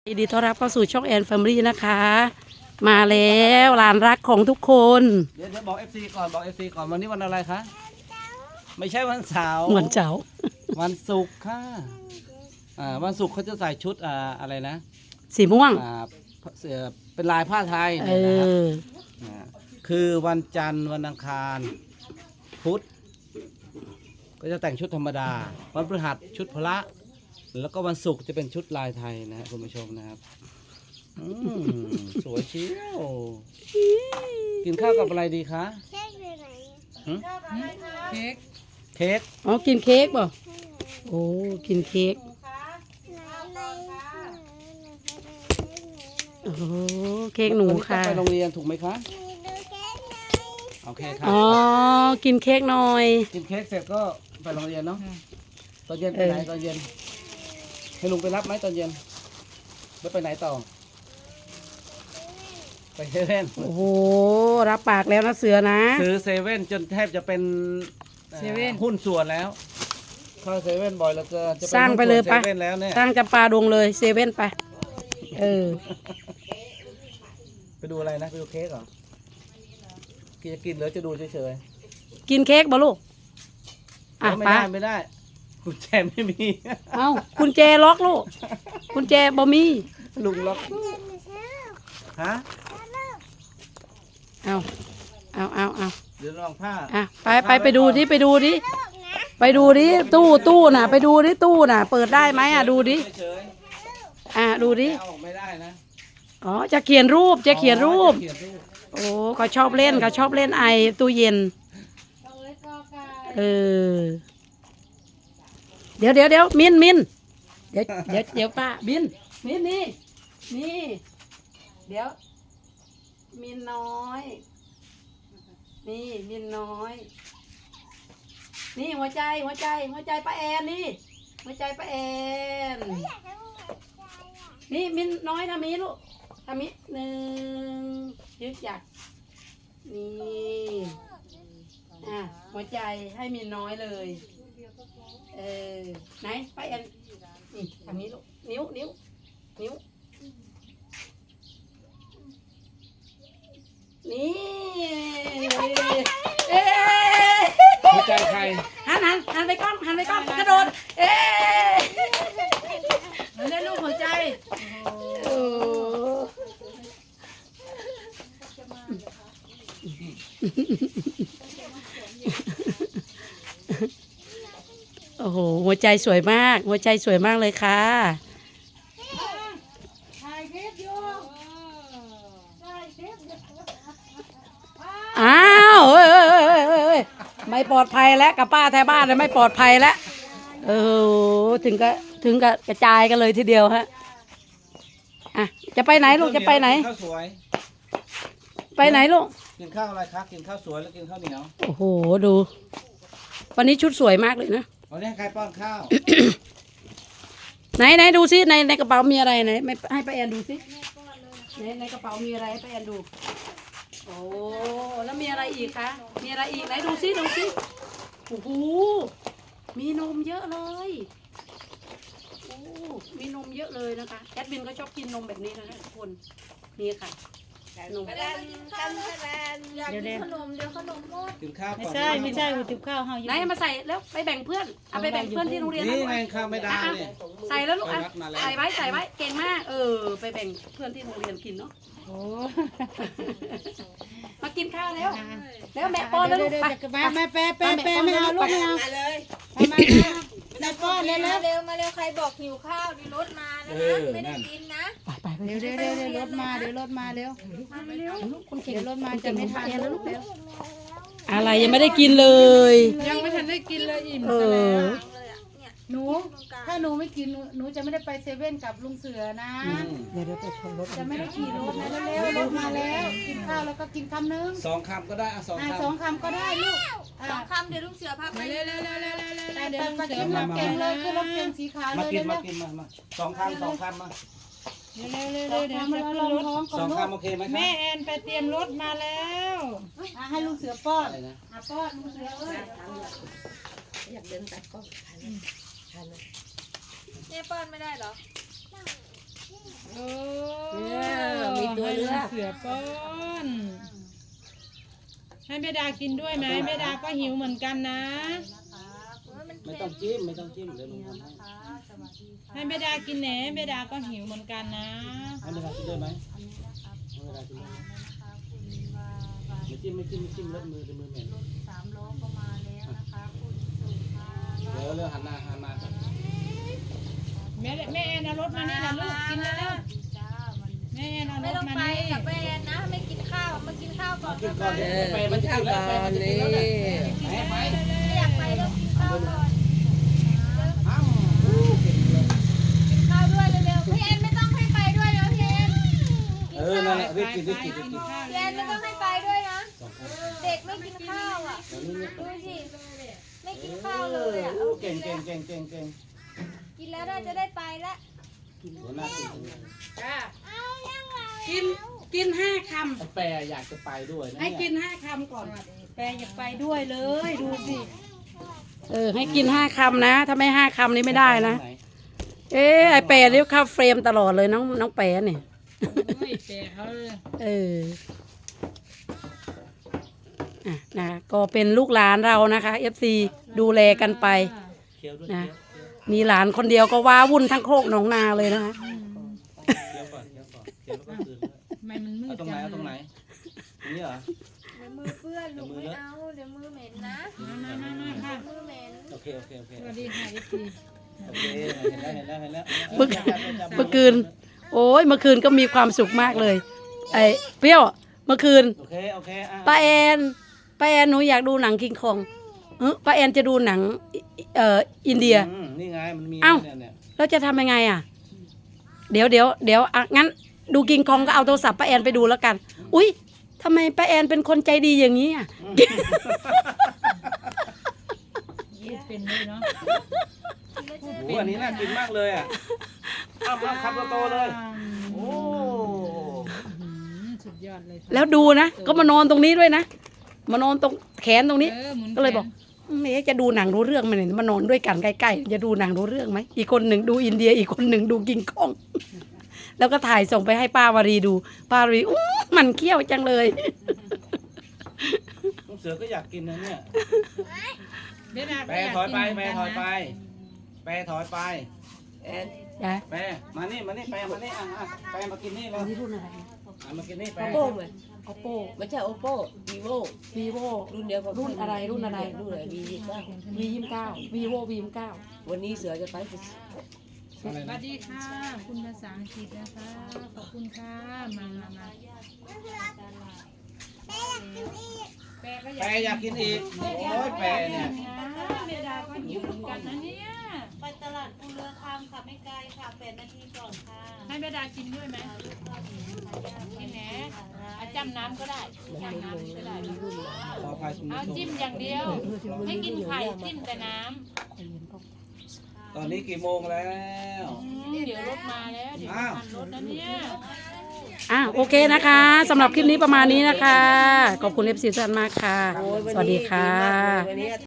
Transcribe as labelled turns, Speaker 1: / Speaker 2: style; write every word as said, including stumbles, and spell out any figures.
Speaker 1: ยินดีต้อนรับเข้าสู่ช่องแอนแฟมิลี่นะคะ มาแล้วหลานรักของทุกคน
Speaker 2: เดี๋ยวเดี๋ยวบอก เอฟ ซี ก่อนบอก เอฟ ซี ก่อนวันนี้วันอะไรคะไม่ใช่วันเสาร์
Speaker 1: เหมือนเจ้า
Speaker 2: วันศุกร์ค่ะอ่าวันศุกร์เขาจะใส่ชุดอ่าอะไรนะ
Speaker 1: สีม่วง
Speaker 2: อ่าเสื้อเป็นลายผ้าไทย
Speaker 1: เอ
Speaker 2: เนี่ยนะครับ
Speaker 1: อ
Speaker 2: อ่าคือวันจันทร์วันอังคารพุธก็จะแต่งชุดธรรมดา วันพฤหัสชุดพละแล้วก็วันศุกร์จะเป็นชุดลายไทยนะครับคุณผู้ชมนะครับอืมสวยเชียวกินข้าวกับอะไรดีคะ
Speaker 3: เค้กอยู่ไหน
Speaker 2: หึ
Speaker 4: เค้ก
Speaker 2: เค้ก
Speaker 1: อ๋อ กินเค้กป่ะโอ้ กินเค้ก
Speaker 3: ไหนไหน
Speaker 1: โอ้โหเค้กหนูค่ะ
Speaker 2: วันนี้ต้องไปโรงเรียนถูกไหมคะ
Speaker 3: มีดูเค้กไหน
Speaker 2: โอเคครับ
Speaker 1: อ๋อ กินเค้กหน่อย
Speaker 2: กินเค้กเสร็จก็ไปโรงเรียนเนาะตอนเย็นไปไหน
Speaker 1: เออ
Speaker 2: ตอนเย็นให้ลุงไปรับไหมตอนเย็นแล้วไปไหนต่อไปเซเว่น
Speaker 1: โอ้โห รับปากแล้วนะเสือนะ
Speaker 2: ซื้อเซเว่นจนแทบจะเป็นอ่อ
Speaker 4: เซเว่น
Speaker 2: หุ้นส่วนแล้วเข้าเซเว่นบ่อยแล้วเกินจะเป็น
Speaker 1: สร้างไปเลย
Speaker 2: หุ้นส่
Speaker 1: ปะ
Speaker 2: วนเซเว่นแล้วเนี่ย
Speaker 1: ตั้งจำปาดงเลยเซเว่นไป เออ
Speaker 2: ไปดูอะไรนะไปดูเค้กเหรอกินจะกินหรือจะดูเฉย
Speaker 1: กินเค้กบ่ลูก
Speaker 2: ๆ
Speaker 1: อ่ะ
Speaker 2: ไม่
Speaker 1: ไป
Speaker 2: ได้ไม่ได้กุญแจไม่มี
Speaker 1: เอากุญแจล็อกลูกกุญแจบ่มี
Speaker 2: ลุงล็อก
Speaker 3: เดินมาเช้า
Speaker 2: ฮะ
Speaker 1: เอาเอาเอาเอา
Speaker 2: เดี๋ยวลองผ้า
Speaker 1: อ่ะไปไปไปดูดิไปดูดิไปดูดิตู้ตู้น่ะ ไปดูดิตู้น่ะ เปิดได้ไหมอ่ะดูดิ
Speaker 2: เฉย
Speaker 1: อ่ะดูดิ
Speaker 2: ๆเอาออกไม่ได้นะ
Speaker 1: อ๋อจะเขียนรูปจะเขียนรูป
Speaker 2: จะเขียนรูป
Speaker 1: โอ้เขาชอบเล่นเขาชอบเล่นไอตู้เย็นเออเดี๋ยวเดี๋ยวเดี๋ยวมินมินเดี๋ยวเดี๋ยวเดี๋ยวป้ามินมินนี่นี่เดี๋ยวมินน้อย นี่มินน้อย นี่หัวใจหัวใจหัวใจป้าแอนนี่หัวใจป้าแอนนี่มินน้อยทำนี้ลูกทำนี้หนึ่งยึดหยักนี่อ่ะหัวใจให้มินน้อยเลยเออไหนป้าแอนนี่ทำนี้ลูกนิ้วนิ้วนิ้วนี่เอ๊ะ
Speaker 2: หัวใจใคร
Speaker 1: หันหันหันไปกล้องหันไปกล้องกระโดดเอ๊ะเล่นลูกหัวใจโอ้โอ้โหหัวใจสวยมาก หัวใจสวยมากเลยค่ะ
Speaker 4: ถ่ายคลิปอยู่ถ่ายคลิปอยู่
Speaker 1: อ้าวเอ้ยเอ้ยเอ้ยเอ้ยเอ้ยไม่ปลอดภัยแล้วกับป้าแถวบ้านเลยไม่ปลอดภัยแล้วเออถึงกับถึงกับกระจายกันเลยทีเดียวฮะอ่ะจะไปไหนลูกจะไปไหน
Speaker 2: กิข้าวสวย
Speaker 1: ไปไหนลูก
Speaker 2: กินข้าวอะไรคะกินข้าวสวยแล้วกินข้าวเหนียว
Speaker 1: โอ้โหดู วันนี้ชุดสวยมากเลยนะ
Speaker 2: วันนี้ให้ใครป้อนข้าว
Speaker 1: ไหนไหนดูซิในในกระเป๋ามีอะไรไหนไม่ให้ป้าแอนดูซิในในกระเป๋ามีอะไรให้ป้าแอนดูโอ้แล้วมีอะไรอีกคะมีอะไรอีกไหนดูซิดูซิโอ้โหมีนมเยอะเลยโอ้มีนมเยอะเลยนะคะแอดมินก็ชอบกินนมแบบนี้นะคะทุกคนนี่ค่ะนม
Speaker 3: กันกันแลนอยากกินขนมเดี๋ยวขนมหมด
Speaker 2: กินข้าว
Speaker 4: ไม่
Speaker 2: ก่อน
Speaker 4: ใช่ไม่ใช่อุติบข้าวเฮาอยู่
Speaker 1: ไหนเอามาใส่แล้วไปแบ่งเพื่อนเอาไปแบ่งเพื่อนที่โรงเรียน
Speaker 2: นี่
Speaker 1: นะ
Speaker 2: ไงข้าวไม่ได้เนี่ย
Speaker 1: ใส่แล้วลูกอ่ะ
Speaker 2: ไปวัดมาแล้ว
Speaker 1: ใส่ไว้ใส่ไว้เก่งมากเออไปแบ่งเพื่อนที่โรงเรียนกินเนาะ
Speaker 4: โอ้
Speaker 1: มากินข้าวแล้ว แล้วแม่ป้อนแล้วลูกไป
Speaker 4: มามาแปะแปะแปะไม่เอาลูกไม่เอา
Speaker 3: มาเลย
Speaker 4: มามาแม่ป้อนเลย
Speaker 3: มา
Speaker 4: แล้ว
Speaker 3: เร็วมาเร็วใครบอกหิวข้าวดิรถมานะนะไม่ได้กินนะ
Speaker 1: ไปไปไป
Speaker 4: เดี๋ยวเดี๋ยวเดี๋ยวเดี๋ยวรถมาเดี๋ยวรถมาเร็ว
Speaker 3: มาเร็ว
Speaker 1: คนเก่ง
Speaker 4: เดี๋ยวรถมาจะไม่ทัน
Speaker 1: แล้ว
Speaker 4: ลู
Speaker 1: ลู
Speaker 4: ก
Speaker 1: ก
Speaker 4: เร็ว
Speaker 1: อะไรยังไม่ได้กินเลย
Speaker 4: ยังไม่ทันได้กินเลยอิ่ม
Speaker 1: เอ
Speaker 4: ซะแล้
Speaker 1: อ
Speaker 4: ว
Speaker 3: เลยอ่ะเนี่ย
Speaker 4: หนูถ้าหนูไม่กินหนูหนูจะไม่ได้ไปเซเว่นกับลุงเสือนะ
Speaker 2: อืม
Speaker 1: เดี๋ยวเดี๋ยวไปชนรถ
Speaker 4: จะไม่ได้ขี่รถนะเร็วๆรถมาแล้ว กินข้าวแล้วก็กินคำนึง
Speaker 2: สองคำก็ได้อะสอง
Speaker 4: อ่า
Speaker 2: คำ
Speaker 4: สองคำก็ได้ลูก
Speaker 3: สองคำเดี๋ยวลุงเสือพาไป
Speaker 4: เร็วเร็วเร็วเร็วเร็วเร็ว
Speaker 3: ไป
Speaker 4: เดี๋ยว
Speaker 3: ไป
Speaker 4: ลุงเสือมาเก่งเลยคือรถเก่งสีขาว
Speaker 2: มา
Speaker 4: เลย
Speaker 2: กิน
Speaker 4: เร็
Speaker 2: มาว กินมามาสองคำสองคำมา
Speaker 4: เร็วเร็วเร็วเร็วเดี๋ยวจะขึ้นรถท้องก่อ
Speaker 2: สอน ง
Speaker 4: ลูก
Speaker 2: คำโอเคไหมครับ
Speaker 4: แม่แอนไปเตรียมรถมาแล้วอ่ะให้ลุงเสือป้อน
Speaker 2: อะไรนะ
Speaker 4: อ่ะป้อนลุงเสือเอ้ย
Speaker 3: เนี่ยป้อนไม่ได้เหรอโอ้
Speaker 5: เนี่ยมีตัวเลือก
Speaker 3: ให้เสือป้อนให้แม่ดากินด้วยไหมแม่ดาก็หิวเหมือนกันนะ
Speaker 2: ไม่ต้องจิ้มไม่ต้องจิ้มเดี๋ยวลุงทำให้
Speaker 3: ให้แม่ดากินแหนแม่ดาก็หิวเหมือนกันนะ
Speaker 2: ให้เวลากินด้วยไหมให้เวลากินด้วยไม่จิ้มไม่จิ้มไม่จิ้มเล็บมือจะมือเหม็นเดี๋ยวเรื่องหันหน้าหันมาก่อน
Speaker 3: แม่แม่แอนเอารถมานี่นะลูกกินแล้วแล้วแม่แอนเอารไม่ถต้องมาไปนี่กับแม่แอนนะไม่กินข้าวมากินข้าวก่อน
Speaker 2: กินก่อน
Speaker 5: เอ
Speaker 2: เดี๋ยว
Speaker 5: อ
Speaker 2: ไป
Speaker 5: มั
Speaker 2: มัน
Speaker 5: น
Speaker 2: จะ
Speaker 5: ข้า
Speaker 2: กิ
Speaker 5: วน
Speaker 2: แล้ว
Speaker 5: ก่อ
Speaker 2: ไป
Speaker 5: น
Speaker 2: มันจะกิ
Speaker 5: นี่
Speaker 2: นแล้วเนี่ยไปไป
Speaker 3: ไม่อยากไปเดี๋ยวกินข้าวก่อน
Speaker 2: อ้าว
Speaker 3: กินข้าวด้วยเร็วๆพี่แอนไม่ต้องให้ไปด้วยนะพี่แอน
Speaker 2: เออนั่นแหละรีบกินรีบกินรีบกิน
Speaker 3: พี่แอนไม่ต้องให้ไปด้วยนะ
Speaker 2: สองคน
Speaker 3: เด็กไม่กินข้าวอ่ะ
Speaker 2: เดี๋ยวนี้
Speaker 3: ดูสิไม่กินข้าวเลยอ่ะ
Speaker 2: โอ้เก่งเก่งเก่งเก่งเก่ง
Speaker 3: กินแล้วน่าจะได้ไปแล้ว
Speaker 2: หัวหน้ากินตรงนี้
Speaker 1: จ้ากินกินห้าค
Speaker 2: แปรอยากจะไปด้วยนะ
Speaker 1: ำให้
Speaker 2: เนี่ย
Speaker 1: กินห้าคำก่อนแปรอยากไปด้วยเลยดูสิเออให้กินห้าคำนะถ้าไม่ห้าคำนี้ไม่ได้นะ
Speaker 2: ห
Speaker 1: เอ๊ะไอแปรเรียกเข้าเฟรมตลอดเลยน้องน้องแปรเนี่ย
Speaker 3: ไม่แปะเขาเลย
Speaker 1: เอออ่ะนะก็เป็นลูกหลานเรานะคะเอฟซีดูแลกันไป
Speaker 2: เคี้ยวด้วย
Speaker 1: นะ
Speaker 2: เคี้ยว
Speaker 1: มีหลานคนเดียวก็ว้าวุ่นทั้งโคกหนองนาเลยนะคะ
Speaker 2: เคี้ยวก่อนเคี้ยวก่อนเคี้ยวแล้วก็คืนด้วย
Speaker 3: ทำไมมันมื
Speaker 2: เอา
Speaker 3: ด
Speaker 2: ตรงไหน
Speaker 3: จัง
Speaker 2: เอาตรงไหนตรงนี้เหรอ
Speaker 3: เดี๋ยวมือเปื้อนลูกไม่เอาเดี๋ยวมือเหม็นนะ
Speaker 2: มามามามา
Speaker 3: มือเหม็น
Speaker 2: โอเคโอเคโอเค
Speaker 3: สวัสดีค่ะเอฟซี
Speaker 2: โอเคเห็นแล้วเห็นแล้วเห็นแล้ว
Speaker 1: เมื่อเมื่อคืน โอ้ยเมื่อคืนก็มีความสุขมากเลย ไอ้เปรี้ยวเมื่อคืน
Speaker 2: โอเคโอเคอ่ะ
Speaker 1: ป้าแอนป้าแอนหนูอยากดูหนังคิงคองเออป้าแอนจะดูหนังเอ่ออินเดีย
Speaker 2: อืมนี่ไงมันมี
Speaker 1: เอ้า
Speaker 2: เนี่ยเนี่ย
Speaker 1: แล้วจะทำยังไงอ่ะ เดี๋ยวเดี๋ยวเดี๋ยวอ่ะงั้นดูกิงคองก็เอาโทรศัพท์ป้าแอนไปดูแล้วกัน อุ๊ยทำไมป้าแอนเป็นคนใจดีอย่างนี้อ่ะ
Speaker 3: พูดเป็นเลยเนาะ
Speaker 2: โอ้โหอันนี้น่ากินมากเลยอ่ะเอามาคำโตๆเลย โอ้
Speaker 3: อืมสุดยอดเลยค่ะ
Speaker 1: แล้วดูนะก็มานอนตรงนี้ด้วยนะมานอนตรงแขนตรงนี้
Speaker 3: ออหมุน
Speaker 1: ก็เลยบอก เอ๊ะจะดูหนังรู้เรื่องไหมเนี่ยมานอนด้วยกันใกล้ๆจะดูหนังรู้เรื่องไหมอีกคนหนึ่งดูอินเดียอีกคนหนึ่งดูกิงคอง แล้วก็ถ่ายส่งไปให้ป้าวารีดูป้าวารีอู้มันเคี้ยวจังเลย
Speaker 2: ลูกเสือก็อยากกินนะเนี่ย
Speaker 3: เดี๋ยวนะ
Speaker 2: แปรถอยไปแปรถอยไปแปรถอยไป
Speaker 5: แอน
Speaker 1: ยาย
Speaker 2: แปรมานี่มานี่แปรมานี่อ่ะอ่ะแปรมากินนี่เลย
Speaker 1: นี่รุ่นอะไร
Speaker 2: อ่ะมากินนี่แปร
Speaker 5: โอโป้ไหม
Speaker 1: oppo
Speaker 5: ไม่ใช่โอโป้วีโว
Speaker 1: vivo
Speaker 5: รุ่นเดียวกับ
Speaker 1: รุ่นอะไรรุ่นอะไร
Speaker 5: รุ่นอะไรวียี่สิบเก้า
Speaker 1: v ยี่สิบเก้า vivo v ยี่สิบเก้า
Speaker 5: วันนี้เสือจะไป
Speaker 2: อะไร
Speaker 3: สวั
Speaker 2: นะ
Speaker 3: สดีค่ะ คุณภาษาอังกฤษนะคะ ขอบคุณค่ะ มามามาแปะก็อ
Speaker 2: แปร
Speaker 3: ยาก
Speaker 2: อยากกินอีกโอ้ยแปรเนี่ย
Speaker 3: เมดาก็หิวเหมือนกันนะเนี่ย
Speaker 6: ไปตลาดภูเรือคำค่ะไม่ไกลค่ะแปดนาทีก่อนค่ะ
Speaker 3: ให้เมดากินด้วยไหมกินแหนเอาจำน้ำก็ได้จำน้ำก็ได้
Speaker 2: ขออภัยคุณ
Speaker 3: เอา
Speaker 2: ผู้ช
Speaker 3: จิ้ม
Speaker 2: ม
Speaker 3: อย่างเดียว ไม่กินไข่จิ้มแต่น้
Speaker 2: ตอนนี้กี่โมงแล้ว
Speaker 3: ำอืมเดี๋ยวรถมาแล้วเดี๋ยว
Speaker 2: อ้าว
Speaker 3: ทันรถนะเนี่ย
Speaker 1: อ่ะโอเคนะคะสำหรับคลิปนี้ประมาณนี้นะคะ ขอบคุณเอฟซีทุกท่านมากค่ะ
Speaker 5: โอ้ยวัน
Speaker 1: สวัส
Speaker 5: นี้
Speaker 1: ดีค่ะ
Speaker 5: มากเลยวันนี้